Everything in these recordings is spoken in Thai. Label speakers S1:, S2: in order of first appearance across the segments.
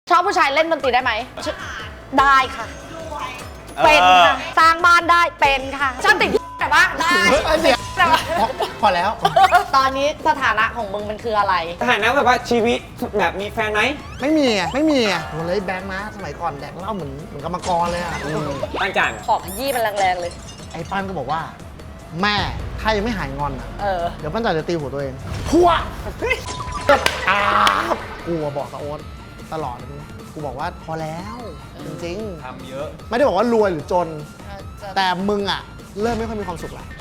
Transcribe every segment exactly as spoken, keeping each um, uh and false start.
S1: ชอบผู้ชายเล่นดนตรีได้ไหมได้ค่ะเป็นค่ะสร้างบ้านได้เป็นค่ะชอบติดแต่ว่าได้แต่ว่า
S2: พอแล้ว
S1: ตอนนี้สถานะของมึงมันคืออะไร
S3: สถานะแบบว่าชีวิตแบบมีแฟนไหม
S2: ไม่มีอ่ะไม่มีอ่ะโหเลยแบงค์นะสมัยก่อนแดกเหล้าเหมือนเหมือนกรรมกรเลยอ่ะ
S3: ตั้งจัน
S1: ขอขยี้มันแรงๆเลย
S2: ไอ้ปั้นก็บอกว่า แม่ถ้ายังไม่หายงอนอ่ะ
S1: เออ
S2: เดี๋ยวปั้นจันจะตีหัวตัวเองพัวอ้าวกูบอกกับโอ๊ตตลอดเลยกูบอกว่าพอแล้วจริงๆ
S3: ทำเยอะ
S2: ไม่ได้บอกว่ารวยหรือจนแต่มึงอ่ะเริ่มไม่ค่อยมีความสุขแล้ว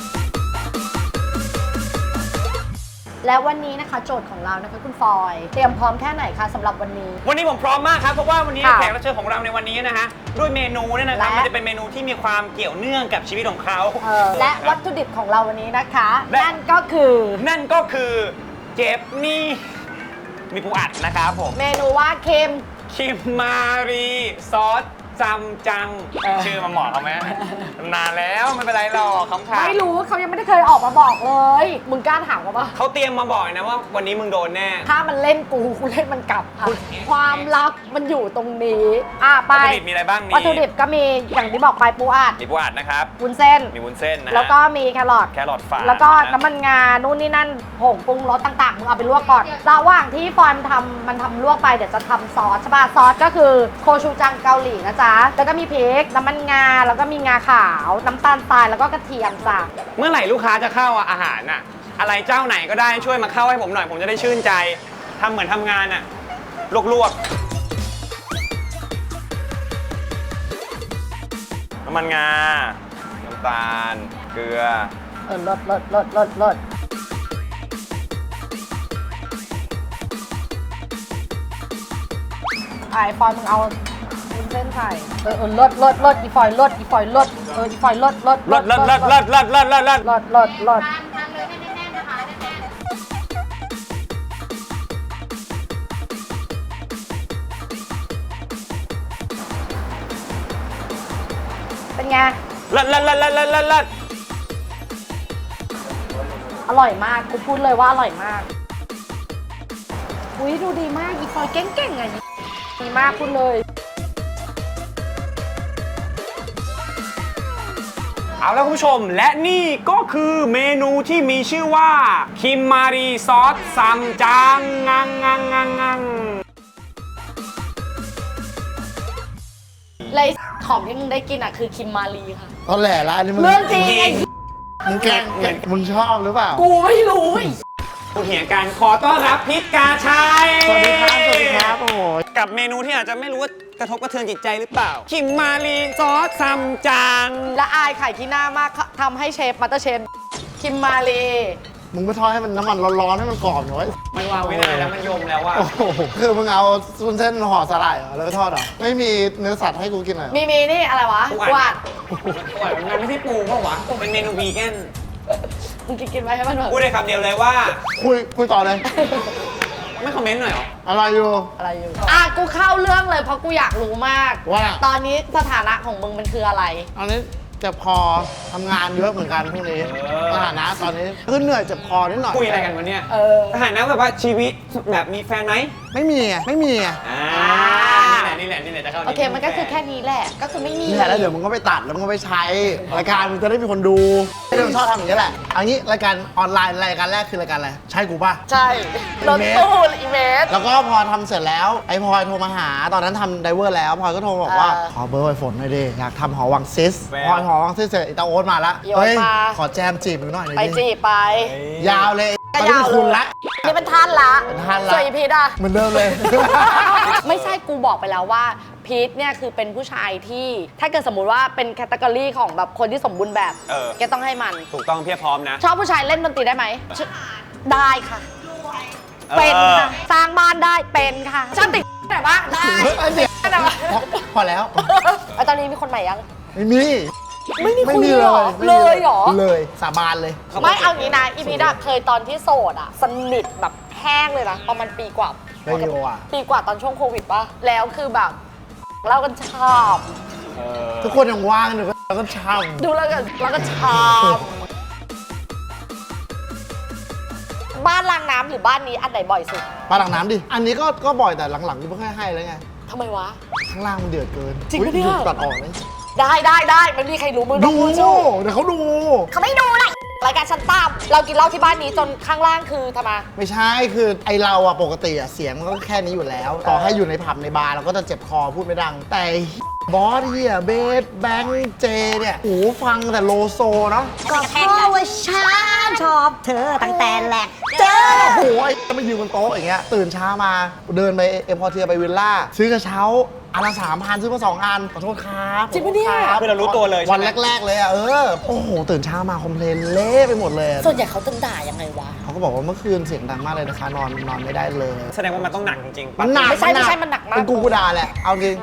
S1: และวันนี้นะคะโจทย์ของเรานะคะคุณฟอยเตรียมพร้อมแค่ไหนคะสำหรับวันนี้
S3: วันนี้ผมพร้อมมากครับเพราะว่าวันนี้แขกรับเชิญของเราในวันนี้นะฮะด้วยเมนูเนี่ยนะครับมันจะเป็นเมนูที่มีความเกี่ยวเนื่องกับชีวิตของเขา
S1: และวัตถุดิบของเราวันนี้นะคะนั่นก็คือ
S3: นั่นก็คือเจฟนี่มีปูอัดนะครับผม
S1: เมนูว่าเค็ม
S3: คิมมารีซอสจำจังชื่อมาเหมาะเขาไหมนานแล้วไม่เป็นไรหรอกคำถาม
S1: ไม่รู้เขายังไม่ได้เคยออกมาบอกเลยมึงกล้าถามเขาปะ
S3: เขาเตรียมมาบอกนะว่าวันนี้มึงโดนแน่
S1: ถ้ามันเล่นกูกูเล่นมันกลับค่ะความลับมันอยู่ตรงนี้อ่ะไป
S3: วัตถุดิบมีอะไรบ้างนี่
S1: วัตถุดิบก็มีอย่างที่บอกไปปูอัด
S3: มีปูอัดนะครับ
S1: วุ้นเส้น
S3: มีวุ้นเส้นนะ
S1: แล้วก็มีแครอท
S3: แครอทฝา
S1: แล้วก็น้ำมันงานู่นนี่นั่นผงปรุงรสต่างๆมึงเอาไปลวกก่อนระหว่างที่ฟอยมันทำมันทำลวกไปเดี๋ยวจะทำซอสใช่ป่ะซอสก็คือโคชูจังเกาหลีนะจ๊ะแล้วก็มีพริกน้ำมันงาแล้วก็มีงาขาวน้ำตาลทรายแล้วก็กระเทียมจ้ะ
S3: เมื่อไหร่ลูกค้าจะเข้าอาหารน่ะอะไรเจ้าไหนก็ได้ช่วยมาเข้าให้ผมหน่อยผมจะได้ชื่นใจทำเหมือนทำงานน่ะลวกๆน้ำมันงาน้ำตาลเกลือ
S1: เออลดลดลดลดลดไอ้ฟอยมึงเอาเส้นไข่เออเออลดลดลดอีฟอยลดอีฟอยลดเอออีฟอยลดลด
S3: ลดลดลดลดลดลดลดลด
S1: ลดลดลดเป็นไง
S3: ลดลดลดลดลดลดลด
S1: อร่อยมากกูพูดเลยว่าอร่อยมากอุ้ยดูดีมากอีฟอยเก่งๆไงดีมากพูดเลย
S3: เอาแล้วคุณผู้ชมและนี่ก็คือเมนูที่มีชื่อว่าคิมมารีซอสซัมจังงังงังงังงัง
S1: เลยของที่มึงได้กินอ่ะคือคิมมารีค่ะ
S2: ตอนแหล่ละอันนี้มึง
S1: เรื่องจริงไอ้
S2: มึงแกล้งมึงชอบหรือเปล่า
S1: กูไม่รู้
S3: ผู้เหี่ยการขอต้อนรับพิษกาชัย
S2: สวัสดีครับสวัสดีครับโอ้ย
S3: กับเมนูที่อาจจะไม่รู้ว่ากระทบกระเทือนจิตใจหรือเปล่าคิมมารีซอสซัมจัง
S1: และอายไข่ที่หน้ามากทำให้เชฟมัตเตอร์เชฟคิมมารี
S2: มึงไปทอดให้มันน้ำมันร้อนๆให้มันกรอบหน่อย
S3: มันวางไว้นานแล้วมันยมแล้วว่า
S2: โอ้โหคือมึงเอาซุนเส้นห่อสลายเหรอแล้วก็ทอดเหรอไม่มีเนื้อสัตว์ให้กูกินเหรอ
S1: มีมีนี่อะไรวะ
S3: ปูอัดปูอัดมันไม่ใช่ปูเพราะวะเป็นเมนูวีแกน
S1: มึงกินกินไว้ให้มันหน่อย
S3: พูดได้คำเดียวเลยว่า
S2: คุยคุยต่อเลย
S3: ไม่คอมเมนต์หน่อยหรอ
S2: อะไรอยู่
S1: อะไรอยู่อ่ะกูเข้าเรื่องเลยเพราะกูอยากรู้มาก
S2: ว่า
S1: ตอนนี้สถานะของมึงมันคืออะไร
S2: ตอนนี้เจ็บคอทำงานเยอะเหมือนกันพวกนี้สถานะตอนนี้คือเหนื่อยเจ็บคอนิดหน่อย
S3: คุยอะไรกันวันนี้
S1: เออ
S3: สถานะแบบว่าชีวิตแบบมีแฟนไหม
S2: ไม่มีอ่ะไม่มีอ่ะ
S3: อ่านี่แหละนี่แหละนี่แหละจะเข้า
S1: โอเคมันก็คือแค่นี้แหละก็คือไม่มี
S2: นี่แหละแล้วเดี๋ยวมึงก็ไปตัดแล้วมึงก็ไปใช้รายการมึงจะได้มีคนดูเรื่องชอบทำอย่างนี้แหละเอางี้รายการออนไลน์รายการแรกคือรายการอะไรใช่กูป่ะ
S1: ใช่รถตู้อีเมส
S2: แล้วก็พอทำเสร็จแล้วไอ้พลอยโทรมาหาตอนนั้นทำไดเวอร์แล้วพลอยก็โทรบอกว่าขอเบอร์ไอฝนหน่อยดิอยากทำหอวังซิสพลอยหอวังซิสเสร็จอีตาโอ๊ตมาละเฮ้ยขอแจมจีบหน่อย
S1: ไปจีบไป
S2: ยาวเลยตอนนี้เป็นคุณละ
S1: นี่เป็นท่านละ
S2: เป็นท่านละ
S1: สวยพีทอ่ะ
S2: เหมือนเดิมเลย
S1: ไม่ใช่กูบอกไปแล้วว่าพีทเนี่ยคือเป็นผู้ชายที่ถ้าเกิดสมมุติว่าเป็นแคตตากรีของแบบคนที่สมบูรณ์แบบแกต้องให้มัน
S3: ถูกต้องเพียบพร้อมนะ
S1: ชอบผู้ชายเล่นดนตรีได้ไหมได้ค่ะเป็นค่ะสร้างบ้านได้เป็นค่ะชอบติดแต่ว่าได้แต่ว่า
S2: พอแล้ว
S1: ตอนนี้มีคนใหม่ยัง
S2: ไม่มี
S1: ไม่มีคุยหรอเลยหรอ
S2: เลยสาบานเลย
S1: ไม่เอางี้นะอีพีดาเคยตอนที่โสดอ่ะสนิทแบบแห้งเลยนะประมาณปีกว่าปีกว่าตอนช่วงโควิดป่ะแล้วคือแบบเรากันชอบ
S2: ทุกคนยังว่างอยู่เราก็ชอบ
S1: ดูแล้วกันเราก็ชอบบ้านรางน้ำหรือบ้านนี้อันไหนบ่อยสุด
S2: ปลาหลังน้ำดิ อันนี้ก็ก็บ่อยแต่หลังๆกูไม่ค่อยให้แล้วไง
S1: ทำไมวะ
S2: ข้างล่างมันเดือดเกิน
S1: จริงปะเนี่ย
S2: อุ๊ตัดออกเลย
S1: ได้ได้ได้ไม่มีใครรู้มึงต้
S2: ดู
S1: องพูดชู
S2: เดี๋ยวเขาดู
S1: เขาไม่ดูเลยรายการชั้นต่ำเรากินเหล้าที่บ้านนี้จนข้างล่างคือทำไม
S2: ไม่ใช่คือไอเราอะปกติอะเสียงมันก็แค่นี้อยู่แล้ว ต่อให้อยู่ในผับในบาร์เราก็จะเจ็บคอพูดไม่ดัง แต่บอสเฮียเบสแบงค์เจเนี่ยโอ้โหฟังแต่โลโซเนาะ
S4: ก็เพราะว่าฉันชอบเธอตั้งแต่แรกเจอ
S2: โอ้โหไอ้มายืนบนโต๊ะอย่างเงี้ยตื่นเช้ามาเดินไปเอ็มพอเทียไปวิลล่าซื้อกระเช้าอันละสามพันซื้อมาสองอันขอโทษครับ
S1: จริงปะเนี่ย
S2: ขอโทษ
S3: คือเรารู้ตัวเลยใช่ไหม
S2: วันแรก ๆ เลยอะเออโอ้โหตื่นเช้ามาคอมเพลนเละไปหมดเลยอะ
S1: ส่วนใหญ่เขาจะด่ายังไงวะ
S2: เขาก็บอกว่าเมื่อคืนเสียงดังมากเลยนะคะนอนนอนไม่ได้เลย
S3: แสดงว่ามันต้องหนักจริงๆ
S2: มันหนัก
S1: ไม่ใช่ไม่ใช่มันหนักมาก
S2: เป็นกูกูด่าแหละเอาจริง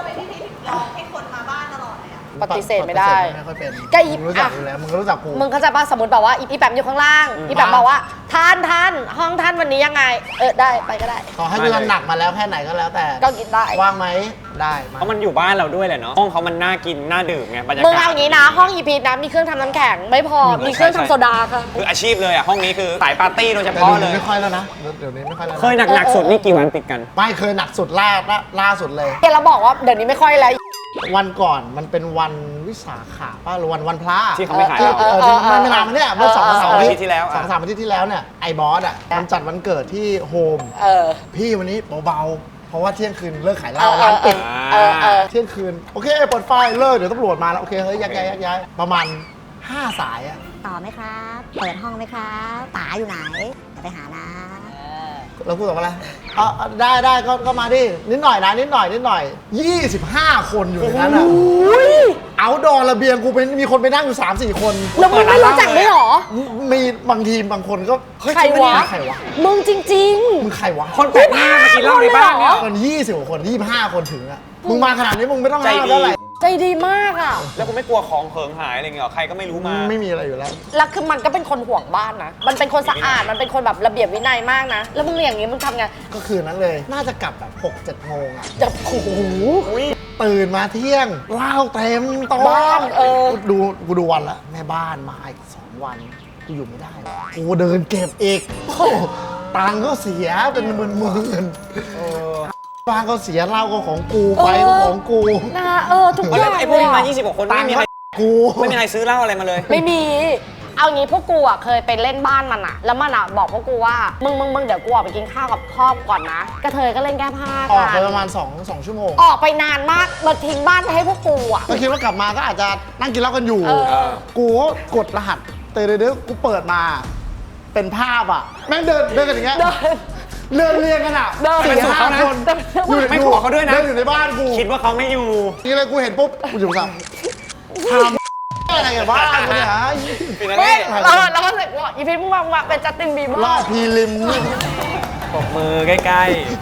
S1: ปฏิเสธไม่ได้
S2: ปฏิเสธไม่ค่อยเป็น
S1: ก็อี
S2: มึงรู้จัก
S1: อ่ะ
S2: อยู่แล้วมึงก็รู้จักกู
S1: มึงเข้าใจป่ะสมมติแบบว่าอีอีแปมอยู่ข้างล่าง อีแปมบอกว่าท่านท่านห้องท่านวันนี้ยังไง เออได้ไปก็ได้
S2: ขอให้กูทำหนักมาแล้วแค่ไหนก็แล้วแต่
S1: ก็กินได้
S2: ว่างไหมได้มา
S3: เพราะมันอยู่บ้านเราด้วยแหละเนาะห้องเขามันน่ากินน่าดื่มไงบรรยากาศ
S1: มึงเอาอย่างนี้นะ ห้องอีพีนะมีเครื่องทำน้ำแข็งไม่พอมีเครื่องทำโซดาค่ะ
S3: คืออาชีพเลยอ่ะห้องนี้คือสายปาร์ตี้โดยเฉ
S2: แต่
S3: พาะ
S2: เดี๋ยว
S3: เล
S2: นี้
S3: ย
S2: ไม่ค่อยแล้วนะเดี๋ยวนี้ไม่ค่อยแล้วนะ
S3: เคยหนักๆสุดนี่กี่วันติดกัน
S2: ไม่เคยหนักสุดล่าล่าล่าสุดเลย
S1: เกเราบอกว่าเดี๋ยวนี้ไม่ค่อยแล้ว
S2: วันก่อนมันเป็นวันวิสาขะป่ะหรือวันวันพระ
S3: ที่เขาไม่ขาย
S2: ที่
S3: เรา
S2: เออที่ไม่ไม่นานมาเนี่ยเมื่อสอง
S1: เออ
S2: สาม
S3: อา
S2: อา
S3: ทิ
S2: ทิ
S3: ต
S2: ต
S3: ย์
S2: ย์
S3: ที่แล้ว
S2: สองสามอาทิตย์ที่แล้วเนี่ยไอ้บอสอ่ะมันจัดวันเกิดที่โฮม
S1: เออ
S2: พี่วันนี้เบาๆเพราะว่าเที่ยงคืนเลิกขายเหล้า
S1: เออ
S2: ร้านปิด
S1: เออเออ
S2: เที่ยงคืนโอเคเปิดไฟเลิกเดี๋ยวตำรวจมาแล้วโอเคเฮ้ยยักย้ายยักย้ายประมาณห้าสายอะ
S4: ต่อไหมครับ เปิดห้องไหมครับป๋าอยู่ไหนจะไปหานะ
S2: แล้วพูดกับอะไรเอาเอาได้ได้ก็ก็มาดินิดหน่อยนะนิดหน่อยนิดหน่อยยี่สิบห้าคนอยู่ในนั้นอะเอาดอระเบียงกูเป็นมีคนไปนั่งอยู่สามสี่คน
S1: แล้วมึงไม่รู้จักด้วยเหรอ
S2: มีบางทีบางคนก็เฮ้ย
S1: ใครวะ
S2: ใครวะ
S1: มึงจริง
S2: มึงใครวะ
S3: คนแปลกหน้ามากินเหล้าในบ้านเนี่ย
S2: คนยี่สิบกว่าคนยี่สิบห้าคนถึงอะมึงมาขนาดนี้มึงไม่ต้อง
S3: ใจ
S2: ห้าม
S3: ดี
S2: เท่าไหร่
S1: ๆ ใจดีมากอ่ะ
S3: แล้วคุณไม่กลัวของเหิงหายอะไรเงี้ยหรอใครก็ไม่รู้มา
S2: ไม่มีอะไรอยู่แล้ว
S1: แล้วคือมันก็เป็นคนห่วงบ้านนะ มันเป็นคนสะอาด มันเป็นคนแบบระเบียบวินัยมากนะ แล้วมึงอย่างนี้มึงทำไง
S2: ก็คืนนั้นเลย น่าจะกลับแบบหกเจ็ดโมงอะ
S1: จะโอ้โห
S2: ตื่นมาเที่ยงเหล้าเต็มโต๊ะ
S1: บ้านเออ
S2: กูดูกูดูวันละแม่บ้านมาอีกสองวันกูอยู่ไม่ได้วะกูเดินเก็บอีกโอ้โหตังค์ก็เสียเป็นหมื่นหมื่นๆบ้านก็เสียเหล้าก็ของกูไฟก็ของกู
S1: นะเออทุกอ
S3: แล้ว
S1: ย่าง
S3: ไอ้พวกนี้มา
S1: เลยอะ
S3: ยี่สิบกว่าคน
S2: ตั
S3: ไม่
S2: งค์
S3: มีใค
S2: ก็
S3: ร
S2: กู
S3: ไม่มีใครซื้อเหล้าอะไรมาเลย
S1: ไม่มี เอางี้พวกกูอ่ะเคยไปเล่นบ้านมันอ่ะ แล้วมันอ่ะบอกพวกกูว่า มึงมึงมึงเดี๋ยวกูออกไปกินข้าวกับพ่อก่อนนะกระเทยก็เล่นแก้ผ้า
S2: ออกไป
S1: กัน
S2: ประมาณ2 2ชั่วโมง
S1: ออกไปนานมากมาทิ้งบ้านไปให้พวกกูอ่ะ
S2: ก็คิดว่ากลับมาก็อาจจะนั่งกินเหล้ากันอยู่
S1: เออ
S2: กูก็กดรหัสเตยเดือกูเปิดมา เป็นภาพอ่ะแม่งเดินเดินกันอย่างเงี้ย
S1: เดิน
S2: เดินเรียงกันอ่ะ
S1: เดิน
S2: สี่
S3: ไปสู่
S2: ห้า
S3: เขานะ
S2: คน
S1: เดิน
S2: อยู่
S3: ไม่ขอเขาด้วยนะ
S2: เดินอยู่ในบ้านกู
S3: คิดว่าเขาไม่อยู่
S2: นี่เลยกูเห็นปุ๊บกูอยู่กับทำอะไรกับบ้านกูเนี่ยฮะ
S3: เป็นอะไร
S1: ไม่
S3: เนี่ย
S1: เราเราก็รู้สึกว่าอีพีมึงมามึงมาเป็นจัสตินบีเบอ
S2: รอบ
S1: ร์
S2: พีริมนี่
S3: ปรบมือใกล้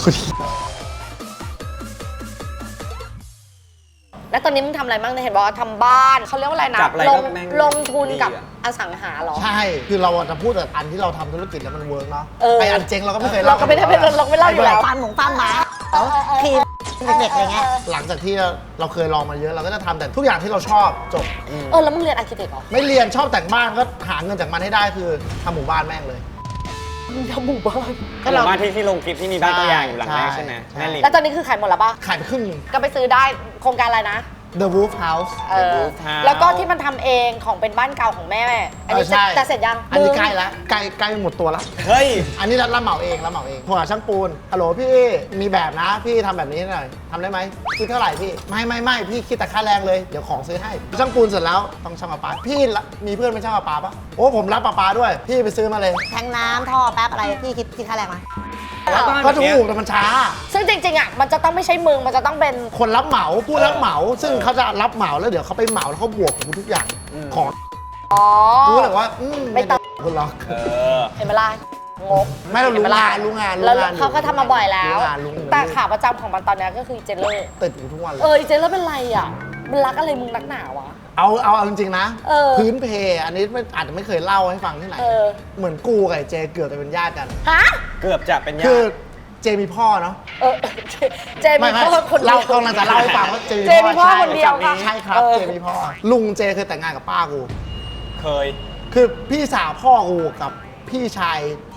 S1: แล้วตอนนี้มึงทำอะไรบ้างเนี่ยเห็นบอกว่าทำบ้านเขาเรียกว่าอะไรนะ
S3: จับอะไร
S1: ล
S3: ก็
S1: ง
S3: แม่ง
S1: ลงทุนกับ
S3: ดีอะ
S1: อสังหาเหรอ
S2: ใช่ คือเราจะพูดแต่อันที่เราทำธุรกิจแล้วมันเวิร์กเนาะ
S1: เออ
S2: ไออันเจ๊งเราก็ไม่เคย
S1: เราก็ไม่ได้เป็นเราไม่เล่าอยู่แล้ว
S4: ฟาร์มหมูฟาร์มหมาครีมเด็กๆอะไรเงี้ย
S2: หลังจากที่เราเคยลองมาเยอะเราก็จะทำแต่ทุกอย่างที่เราชอบจบ
S1: เออแล้วมึงเรียนอาร์เคเต็กเหรอ
S2: ไม่เรียนชอบแต่งบ้านก็หาเงินจากมันให้ได้คือทำหมู่บ้านแม่งเลย
S1: มึงทำหมู่บ้าน
S3: ๆหมู่บ้านที่ที่ลงคลิปที่มีบ้านตัวอย่างอยู่หลังแรกใช่ไหม
S2: ใช่
S3: แม่ริม
S1: แล้วตอนนี้คือขายหมดแล้วปะ
S2: ขายไปครึ่งหนึง
S1: ก็ไปซื้อได้โครงการอะไรนะ
S2: The Wolf House
S1: เออ
S3: Wolf House
S1: แล้วก็ที่มันทำเองของเป็นบ้านเก่าของแม่ อันนี้
S2: เออใช่
S1: จะเสร็จยัง
S2: อันนี้
S1: มึง
S2: ใกล้แล้วใกล้ใกล้หมดตัวแล้ว
S3: เฮ้ย
S2: อันนี้รับเหมาเองรับเหมาเองโทรหาช่างปูนฮัลโหลพี่มีแบบนะ พี่ทำแบบนี้หน่อยทำได้ไหมคิดเท่าไหร่พี่ไม่ไม่ไม่พี่คิดแต่ค่าแรงเลยเดี๋ยวของซื้อให้ช่างปูนเสร็จแล้วต้องช่างประปาพี่ละมีเพื่อนเป็นช่างประปาปะโอ้ผมรับประปาด้วย พี่ไปซื้อมาเลย
S4: แทงน้ำท่อแป๊บอะไรพี่คิดคิดค่าแรงมา
S3: แล้วบ้าน
S2: ก็
S3: แบบเนี้ย
S2: ถูกแต่มันช้า
S1: ซึ่งจริงๆอ่ะมันจะต้องไม่ใช่มึงมันจะต้องเป็น
S2: คนรับเหมาผู้รับเหมา ซึ่งเขาจะรับเหมาแล้วเดี๋ยวเขาไปเหมาแล้วเขาบวกกับกูทุกอย่างของ
S1: อ๋อ
S2: กูเลยว่าอืม
S1: ไม่
S2: ไม่
S1: ต้
S2: ต้
S1: อ
S2: อง งคุณหรอก
S3: เออ
S1: เห็นไหมล่ะงก
S2: ไม่เรารู้
S1: ห็นห
S2: งา
S1: ล่ะ
S2: นรู้งานรู้
S1: แล้ว
S2: งาน
S1: เขาก็ทำมาบ่อยแล้ว
S2: รู้งานรู้งาน
S1: แต่ขาประจำของมันตอนเนี้ยก็คือเจเลอร์
S2: ติดอยู่ทุกวันเล
S1: เอย อเจเลอร์เป็นไรอ่ะมันรักอะไรมึงนักหนาวะ
S2: เอาเอาเอาจริงๆนะ
S1: เออ
S2: พื้นเพอันนี้ไม่อาจจะไม่เคยเล่าให้ฟังที่ไหน
S1: เออ
S2: เหมือนกูกับไอ้เจเกือบจะเป็นญาติกัน
S1: ฮะ
S3: เกือบจะเป็นญา
S2: คือ
S3: ติ
S2: เจมีพ่อเนาะ
S1: เออเจเจมี
S2: ไม่ไม่
S1: พ่อคนเดี
S2: เรา
S1: ยว
S2: กำลังจะเล่าให้ฟังว่าเจ
S1: เจมี
S2: มี
S1: พ่
S2: พ่
S1: อ
S2: อ
S1: คนเดียวค่ะ
S2: ใช่ครับ
S1: เออ
S2: เจมีพ่อลุงเจเคยแต่งงานกับป้ากู
S3: เคย
S2: คือพี่สาวพ่อกูกับพี่ชาย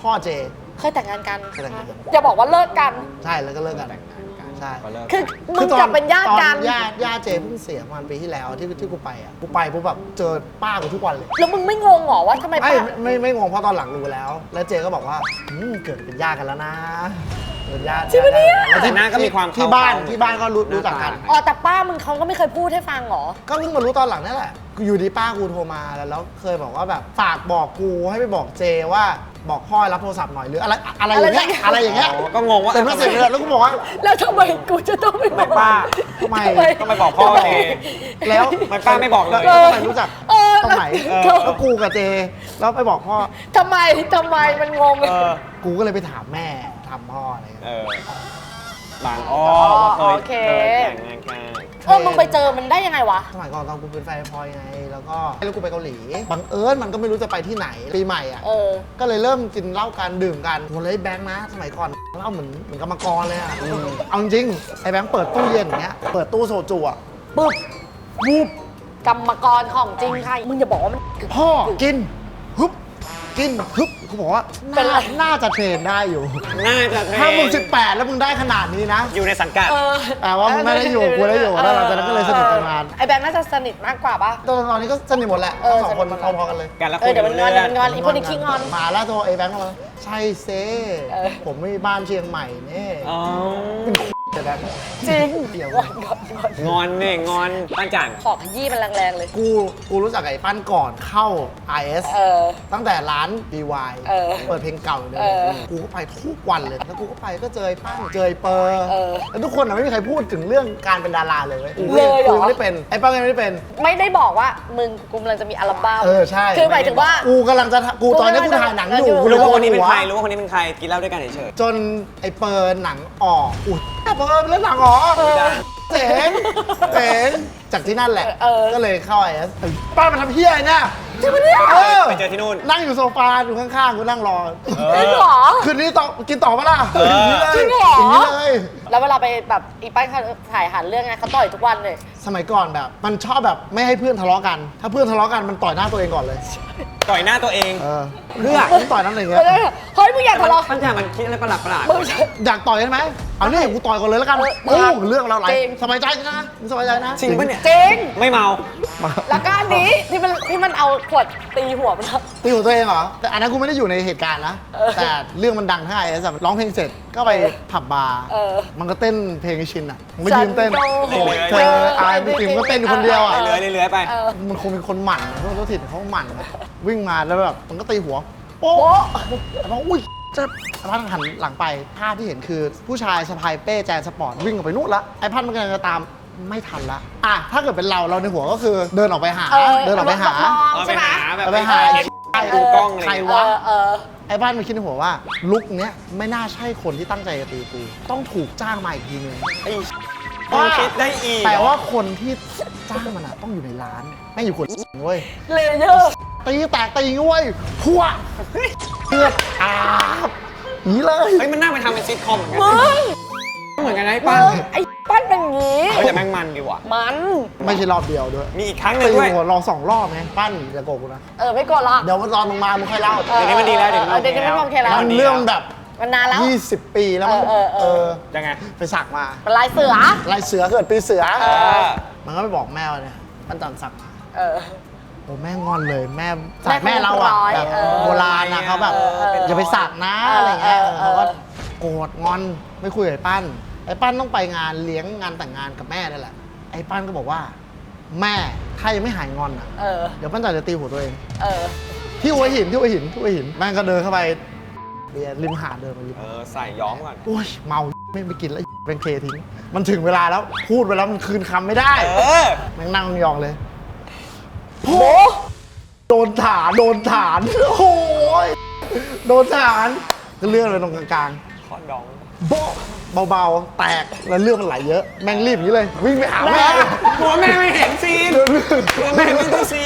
S2: พ่อเจ
S1: เคยแต่งงานกัน
S2: เคยแต่งงานกัน
S1: อย่าบอกว่าเลิกกัน
S2: ใช่แล้วก็เลิกกันใช่
S3: ก็เลิก
S1: คือมึง
S2: ต
S1: กับเป็นญาติกัน
S2: ตอนญาติญาติเจเพิ่งเสียประมาณปีที่แล้วที่ที่กูไปอ่ะกูไปปุ๊บแบบเจอป้ากูทุกวันเลย
S1: แล้วมึงไม่งงเหรอว่าทำไม
S2: ไม่
S1: ป้า
S2: ไม่ไม่งงเพราะตอนหลังรู้แล้ว แล้วเจก็บอกว่าอืมเกิดเป็นญาติกันแล้วนะเกิดญาติ
S1: จริงปะเนี่ย
S2: แล้ว
S3: แต่หน้าก็มีความ
S2: ที่บ้าน
S3: เข้าๆ
S2: ที่บ้านก็รู้รู้จักกัน
S1: อ๋อแต่ป้ามึงเขาก็ไม่เคยพูดให้ฟังเหรอ
S2: ก็เพิ่งมารู้ตอนหลังนี่แหละอยู่ดีป้ากูโทรมาแล้วแล้วเคยบอกว่าแบบฝากบอกกูให้ไปบอกเจว่าบอกพ่อรับโทรศัพท์หน่อยหรืออะไรอะไรอย่างเงี้ยอะไรอย่างเงี้ย
S3: อ๋อก็งงว่า
S2: แต่ไม่เสร็จเลยแล้วกูบอกว่า
S1: แล้วทำไมกูจะต้องไปบอก
S3: ป้า
S2: ทำไม
S3: ต้องไปบอกพ่อเอง
S2: แล้ว
S3: มันป้าไม่บอกเลย
S2: แล้วทำไมรู้จัก
S1: เออ
S2: ตรงไหน
S1: เออ
S2: แล้วกูกับเจแล้วไปบอกพ่อ
S1: ทำไมทำไมมันงง
S3: เออ
S2: กูก็เลยไปถามแม่ถามพ่ออะไรอย่าง
S3: เอ
S2: เงี้ย
S3: อบางอ้อว่าเคย
S1: โอเค
S3: เคยแต่งงานกัน
S1: เออมึงไปเจอมันได้ยังไงวะ
S2: สมัยก่อนตอนกูเป็นแฟนพลอยไง แล้วก็แล้วกูไปเกาหลีบังเอิญมันก็ไม่รู้จะไปที่ไหนปีใหม่อ่ะ
S1: เออ
S2: ก็เลยเริ่มกินเหล้ากันดื่มกันโหเลยแบงค์นะสมัยก่อนเหล้าเหมือนเหมือนกรรมกรเลยอ่ะเอาจริงไอ้แบงค์เปิดตู้เย็นอย่างเงี้ยเปิดตู้โซจูอ่ะปุ๊บวูบ
S1: กรรมกรของจริงค่ะ มึงอย่าบอกว่ามัน
S2: พ่อกินฮึบกินฮึบกูบอกว่า
S1: เป็นไร
S2: น่าน่าจะเทรนได้อยู่
S3: น่าจะเทรน
S2: ถ้ามึงสิบแปดแล้วมึงได้ขนาดนี้นะ
S3: อยู่ในสังกัด
S1: เออ
S2: แต่ว่ามึงไม่ได้อยู่กูได้อยู่แล้วหลังจากนั้นก็เลยสนิทกันมา
S1: ไอ้แบงค์น่าจะสนิทมากกว่าปะ
S2: ตอนตอนนี้ก็สนิทหมดแหละ
S1: เออ
S2: ทั้งสองคน
S1: สนิทหมด
S2: พอๆกันเลย
S3: กันแล้ว
S1: เออเดี๋ยวมันงอนเดี๋ยวมันงอนอีพวกนี้ขี้งอน
S2: มาแล้วตัวไอ้แบงค์มาใช่เซ่
S1: เออ
S2: ผมไม่มีบ้านเชียงใหม่เนี่ย
S3: อ๋อ
S2: แต่แบงค์
S1: จริง
S2: เดี๋ยว
S1: งอนงอนงอน
S3: งอนเนี่ยงอนปั้นจัน
S1: ขอขยี้มันแรงๆเลย
S2: กูกูรู้จักไอ้ปั้นก่อนเข้า ไอ เอส
S1: เออ
S2: ตั้งแต่ร้าน ดี วาย
S1: เออ
S2: เปิดเพลงเก่าเลย
S1: เออ
S2: กูก็ไปทุกวันเลย แล้วกูก็ไปก็เจอไอ้ปั้นเจอไอ้เปอร์
S1: เออ
S2: แล้วทุกคนอะไม่มีใครพูดถึงเรื่องการเป็นดาราเลยว้
S1: เลยเหรอ
S2: กูไม่ได้เป็นไอ้ปั้นก็ไม่ได้เป็น
S1: ไม่ได้บอกว่ามึงกูกำลังจะมีอัลบั้ม
S2: เออใช่
S1: คือหมายถึงว่า
S2: กูกำลังจะทำกูตอนนี้กูถ่ายหนังอยู่
S1: กู
S3: รู้ว่าคนนี้เป็น
S2: หัว
S3: ใครรู้ว่าคนนี้เป็นใครกินเหล้าด้วยกันเฉย
S2: จนไอ้เปิร์หนังออกอุ้ยเปิร์เล่นหนังออกเจ๋งเจ๋งจากที่นั่นแหละ
S1: เออ
S2: ก็เลยเข้าไอเอสป้ามันทำเฮี้ยเนี่ย
S1: จริงปะเนี่ย
S2: เออ
S3: ไปเจอที่นู่น
S2: นั่งอยู่โซฟาอยู่ข้างๆกูนั่งรอ
S1: จริงเหรอ
S2: คืนนี้ต่อกินต่อปะล่ะ
S3: เออ
S2: อย่างนี้เลย
S1: จริงเหรอ
S2: อย่างนี้เลย
S1: แล้วเวลาไปแบบอีป้ายเขาถ่ายหันเรื่องไงเขาต่อยทุกวันเลย
S2: สมัยก่อนแบบ มันชอบแบบไม่ให้เพื่อนทะเลาะกัน ถ้าเพื่อนทะเลาะกันมันต่อยหน้าตัวเองก่อนเลย
S3: ต่อยหน้าตัวเอง
S2: เออเพื่อมันต่อยนั่นอะไรอย่างเงี้ย
S1: เฮ้ยมึงอยากทะเลาะ
S3: ปั้นจันมันคิดอะไรประหลาดประหลาด
S1: มึง
S2: อยากต่อยใช่ไหมเอาเนี่ยกูต่อยก่อนเลยแล้วกัน
S1: เออ
S2: โอ้เรื่องเราไร
S1: จริง
S2: สบายใจนะมึงสบายใจนะ
S3: จริงปะเนี่ย
S1: จริง
S3: ไม่เมา
S2: มา
S1: แล้วก็อันนี้ที่มันที่มันเอาขวดตีหัวมันอะ
S2: ตีหัวตัวเองเหรอ แต่อันนั้นกูไม่ได้อยู่ในเหตุการณ์นะ
S1: เออ
S2: แต่เรื่องมันดังทั้งไอเอสร้องเพลงเสร็จก็ไปผับบาร์
S1: เออ
S2: มันก็เต้นเพลงไอชินอ่ะมันก็ยืนเต้น
S1: ฉันโกหก
S2: โอ้ยเธออายไม่จริงก็เต้นอยู่คนเดียวอ่ะ
S3: เลื้อยเลื้อยไป
S1: เออ
S2: มันคงเป็นคนหมั่นพวกตัวถิ่นเขาหมั่น วิ่งมาแล้วแบบมันก็ตีหัว โป๊
S1: โป๊ะ
S2: ะแล้วก็อุ้ยเจะพันหันหลังไปภาพที่เห็นคือผู้ชายสะพายเป้แจนสปอร์ตวิ่งออกไปนู่นละไอ้พันมันกำลังจะตามไม่ทันละอ่ะถ้าเกิดเป็นเราเราในหัวก็คือเดินออกไปหา
S1: เออ
S2: เดินออกไปหา
S1: มอง
S3: เอาไป
S1: ใช่ไหม
S3: หาแบบ
S2: เอาไปหา
S3: เห็นดูกล้องอะไร
S2: ใคร
S3: อย่าง
S2: วะ
S3: เงี้ย
S1: เออเออ
S2: ไอ้บ้านมันคิดในหัวว่าลุกเนี้ยไม่น่าใช่คนที่ตั้งใจจะตีกูต้องถูกจ้างมาอีกทีนึง
S3: ไอ้มึงคิดได้อีก
S2: แต่ว่าคนที่จ้างมันอะต้องอยู่ในร้านไม่อยู่คนเว้ย
S1: เลเยอร์
S2: ตีแตกตีเว้ยพัวเลือดอาบหนีเลย
S3: เฮ้ยมันน่าไปทำเป็นซิทคอมเหมือนกัน
S1: มึง
S3: เหมือนกันนะไอ้
S1: มึ
S3: ปั้น
S1: งไอ้ปั้นเป็นอย่างงี้
S3: เฮ้ยแต่แม่งมันดีว่ะ
S1: มัน
S2: ไม่ใช่รอบเดียวด้วย
S3: มีอีกครั้งหนึ่
S2: ตี
S3: งด้วย
S2: หัวลองสองรอบไงปั้นจะโกรธกูนะ
S1: เออไม่กดละ
S2: เดี๋ยวตอนมึงมามึงค่อยเล่า
S1: เออ
S3: เดี๋ยวนี้มันดีแล้วเดี๋ยวนี้
S1: เออเดี๋ยวนี้มันโอเคแล้ว
S2: มันเรื่องแบบ
S1: มันนานแล้ว
S2: ยี่สิบปีแล้วมั้ง
S1: เออเออเออ
S3: ยังไง
S2: ไปสักมา
S1: เป็นลายเสือ
S2: ลายเสือเกิดปีเสือ
S3: เออ
S2: มันก็ไปบอกแม่ว่าเนี่ยปั้นจันสักมา
S1: เออ
S2: โอ้แม่งอนเลยแม่
S1: แม่
S2: สายแม่เราอะ
S1: เขาร้อย
S2: แบบ
S1: เออ
S2: โบราณนะเขาแบบ
S1: เออเออ
S2: อย่าไปสักนะ
S1: เออ
S2: อะไรเงี้ย
S1: เออเออ
S2: เขาก็โกรธงอนไม่คุยกับไอ้ปั้นไอ้ปั้นต้องไปงานเลี้ยงงานแต่งงานกับแม่นั่นแหละไอ้ปั้นก็บอกว่า แม่ถ้ายังไม่หายงอนอะ
S1: เออ
S2: เดี๋ยวปั้นจันจะตีหัวตัวเอง
S1: เออ
S2: ที่หัวหินที่หัวหินที่หัวหินแม่งก็เดินเข้าไปเบียร์ริมหาดเดินมาริม
S3: เออใส่ย้อมก่อน
S2: โอ้ยเมาไม่ไปกินแล้วเป็นเคทิ้งมันถึงเวลาแล้วพูดไปแล้วมันคืนคำไม่ได้
S3: เออ
S2: แม่งนั่งยองเลยโอ้โดนฐานโดนฐานโอ้ยโดนฐานก็เลื่อนไปตรงกลาง
S3: คอนดอง
S2: ๆโบ๊ะเบาๆแตกแล้วเลือดมันไหลเยอะแม่งรีบอย่างนี้เลย วิ่งไปหาแม่
S3: กลัวแม่ไม่เห็นซีน
S2: เดินเลื่อน
S3: กลัวแม่ไม่ดูซีน
S2: นะ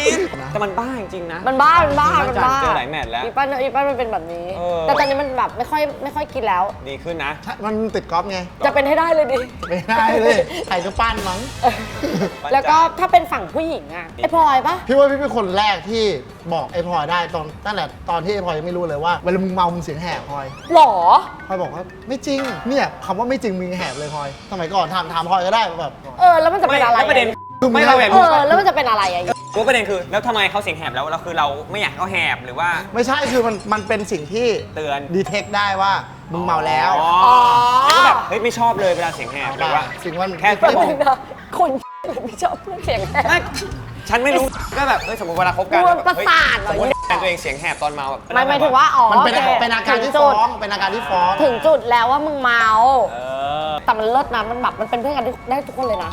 S3: แต่มันบ้าจริงๆนะ
S1: มันบ้ามันบ้ามันบ้า
S3: เจอหลายแมตช์แล้ว
S1: อีปั้นอีปั้นมันเป็นแบบนี้
S3: เออ
S1: แต่ตอนนี้มันแบบไม่ค่อยไม่ค่อยกินแล้ว
S3: ดีขึ้นนะ
S2: มันติดกอล์ฟไง
S1: จะเป็นให้ได้เลยดิ
S2: ไม่ได้เลยใครก็ปั้นมั้ง
S1: แล้วก็ถ้าเป็นฝั่งผู้หญิงอะไอพลอยปะ
S2: พี่ว่าพี่เป็นคนแรกที่บอกไอ้พลอยได้ตอนตั้งแต่ตอนที่ไอ้พลอยยังไม่รู้เลยว่าเวลามึงเมามึงเสียงแหบพลอย
S1: หรอ
S2: พลอยบอกว่าไม่จริงเนี่ยคำว่าไม่จริงมึงแหบเลยพลอยสมัยก่อนถามถามพลอยก็ได้แบบ
S1: เออแล้วมันจะเป็นอะไร
S3: ไม่แล้วประเด็น
S2: คือ
S3: ไม่เราแบบ
S1: เออแล้วมันจะเป็นอะไรอะ
S3: รู้ประเด็นคือแล้วทำไมเขาเสียงแหบแล้วเราคือเราไม่อยากให้เขาแหบหรือว่า
S2: ไม่ใช่คือมันมันเป็นสิ่งที่
S3: เตือน
S2: ดีเทคได้ว่ามึงเมาแล้ว
S3: อ๋อแล้วก็แบบเฮ้ยไม่ชอบเลยเวลาเสียงแหบหรือว่า
S2: สิ่งมัน
S3: แค่
S1: แป๊บนึงนะคนไม่ชอบเรื่องเสียงแหบ
S3: ไม่ฉันไม่รู้ก็แบบเอ้ยสมมติเวลาคบกัน
S1: กลัว
S3: แบบ
S1: ประ
S3: เฮ้ย
S1: สาทเหรอ
S3: สมมติแฟนตัวเองเสียงแหบตอนเมาแบบ
S1: ไม่หมายถึงว่าอ๋อ
S2: มันเป็น
S1: โอค
S2: เป็นอาการที่
S1: ถึ
S2: ฟ้
S1: ง
S2: อ
S1: จุ
S2: ง
S1: ด
S2: เป็นอาการที่ฟ้อง
S1: ถึงจุดแล้วว่ามึงเมา
S3: เออ
S1: แต่มันเลิศนะมันแบบมันเป็นเพื่อนกันได้ทุกคนเลยนะ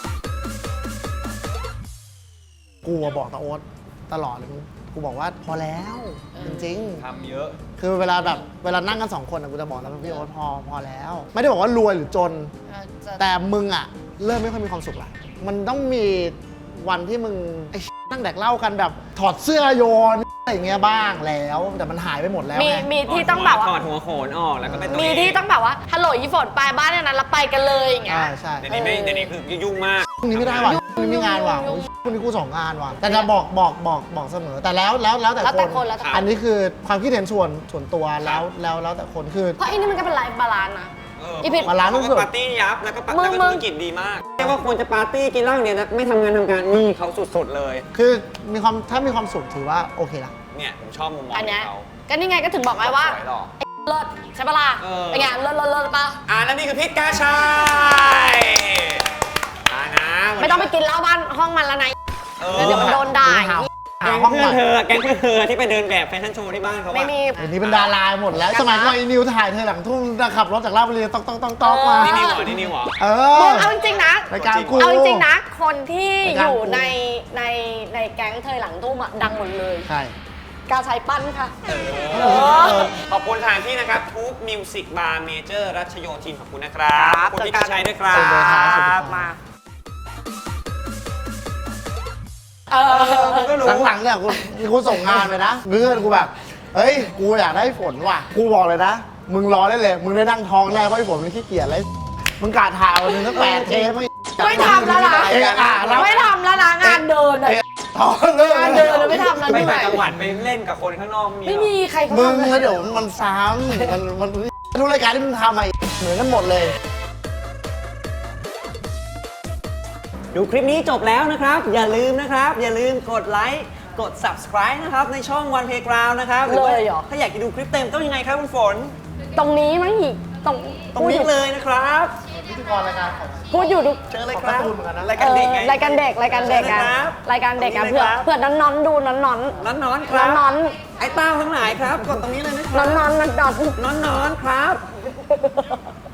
S2: กูอะบอกตาโอ๊ตตลอดเลยกูบอกว่าพอแล้วจริง
S3: ทำเยอะ
S2: ๆคือเวลาแบบเวลานั่งกันสองคนอะกูจะบอกแล้วพี่โอ๊ตพอพอแล้ว ไม่ได้บอกว่ารวยหรือจน แต่มึงอะเริ่มไม่ค่อยมีความสุขละมันต้องมีวันที่มึงไอ้ นั่งแดกเหล้ากันแบบถอดเสื้อโยนอะไรอย่างเงี้ยบ้างแล้ว แต่มันหายไปหมดแล้ว
S1: มี
S2: ไง
S1: มีที่ต้องแบบว่า
S3: ถอดหัวโขนออกแล้วก็ไปตัว
S1: มี
S3: เอง
S1: ที่ต้องแบบว่าฮัลโหลยี่ฝนไปบ้านเนี่ยนั้นแล้วไปกันเลยอย่างเงี้
S2: อ่าย ใช่
S3: เดี๋ยวนี้ไม่เดี๋ยวนี้คือยุ่งมาก
S2: พรุ่งนี้ไม่ได้ว่ะพรุ่งนี้มีงานว่ะโอ้ยพรุ่งนี้กูสองงานว่ะแต่จะบอกบอกบอกบอกเสมอแต่แล้วแล้วแล้วแต่
S1: แล้วแต่
S2: ค
S1: คน นแล้วแต่คน
S2: อันนี้คือความคิดเห็นส่วนส่วนตัวแล้วแล้วแล้วแต่คนคือ
S1: เพราะอันนี้มันก็เป็นไลฟ์บาลานซ์นะ
S3: เออ
S1: อีพิษ
S2: มาร้าน
S3: เขา
S2: สุ
S3: ก็
S2: ด
S3: ปาร์ตี้ยับแล้วก็ปา
S1: มึง
S3: แล้วก็
S1: มึ
S3: ธุ
S1: ง
S3: รกิจดีมากเรียกว่าควรจะปาร์ตี้กินเหล้าอย่างเดียวนะไม่ทำงานทำการนี่เขาสุดๆเลย
S2: คือมีความถ้ามีความสุขถือว่าโอเคละ
S3: เนี่ยผมชอบมุมมอง
S1: อัน
S3: ข
S1: เนี้ย
S3: องเขา
S1: ก็นี่ไงก็ถึงบอกไงว่า
S3: สวยหรอ
S1: เลิศใช่ปะล่ะ
S3: เออ
S1: เป็นไงเลิศเลิศเลิศปะ
S3: อ่านั่นนี่คือพิษกาชัยอ่านะ
S1: ไม่ต้องไปกินเหล้าบ้านห้องมันแล้วนะ
S3: เออ
S1: เดี๋ยวมันโดนด่า
S2: หา
S3: แก๊
S2: หาง ห้อง
S3: เพื่
S2: ให
S3: อน
S2: ม่
S3: เธอแก๊งเพื่อนเธอที่ไปเดินแบบแฟชั่นโชว์ที่บ้านเขาอะ
S1: ไม่มี
S2: เดี๋ยวนี้เป็นดาราหมดแล้ว สมัยก่อนไอ้นิวถ่ายเธอหลังทุ่งขับรถจากราชบุรีต้องต้องต้องต้องมา
S3: นี่นิวเหรอนี่นิวเหรอ
S2: เอ
S1: มึ
S2: อง
S1: เอาจริงๆนะ
S2: รายการกู
S1: เอาจริงๆนะ คนที่
S2: ราย
S1: อ
S2: การ
S1: ยู่
S2: กู
S1: ในในในแก๊งเธอหลังทุ่มอะดังหมดเลย
S2: ใช่
S1: กาใช้ปั้นค่ะ
S3: เออขอบคุณสถานที่นะครับทูบมิวสิกบาร์เมเจอร์รัชโยธินขอบคุณนะครับขอบคุณพี่กาชัยด้วยครั
S2: ขอบคุณครับขอบคุณครับ บ
S1: มาเออ
S3: ก็รู้
S2: หลังๆเนี่ยกูกูส่งงานไปนะเพื่อนกูแบบเฮ้ยกูอยากได้ฝนว่ะกูบอกเลยนะมึงรอได้เลยมึงได้นั่งท้องแน่เพราะไอ้ฝนมันขี้เกียจเลยมึงกาถ่ายวันหนึงตั้งแปดเทปไม่
S1: ไม่ทำแล้วนะ
S2: เอะอ่ะแล้ว
S1: ไม่ทำแล้วนะงานเดินอะ
S2: เอะท้องเลย
S1: งานเดินไม่ทำแล้ว
S3: ไป
S1: ด้วย
S3: ต่างจังหวัดไปเล่นกับคนข้างนอกมี
S1: ไม่มีใครเขา
S2: มึง
S1: ทำ
S2: แล้วเดี๋ยวมันซ้ำมันมันทุกรายการที่มึงทำอะเหมือนกันหมดเลย
S3: ดูคลิปนี้จบแล้วนะครับ อย่าลืมนะครับ อย่าลืมกดไลค์กด subscribe นะครับในช่อง One Playground นะครับรือว่า
S1: เลยเหรอ
S3: ถ้าอยากจะดูคลิปเต็มต้องยังไงครับคุณฝน
S1: ตรงนี้มั้งอีกตรง
S3: ตรงนี้เลยนะครับ
S2: พิธีกรรายการของ
S1: พูดอยู่ดู
S3: เจอเลย
S2: ของ
S3: ครั
S2: กา
S3: บ
S2: ร์ตูนเหมือนกันนะ
S3: รายการเด็กไง
S1: รายการเด็กรายการเด็กอะ
S3: เชิญเลยครับ
S1: รายการเด็กอะ
S3: ตรงนี้
S1: เผื่อ
S3: เลยครับ
S1: เผื่อน้อนๆดูน้อนๆน้อน
S3: น้อนนอนๆค
S1: ๆ
S3: รับ
S1: น้อน
S3: ไอ้เต้าทั้งหลายครับ กดตรงนี้เลยนะค
S1: ๆ
S3: รับ
S1: น้อนๆน้อนๆ
S3: น้อนนอนๆครับ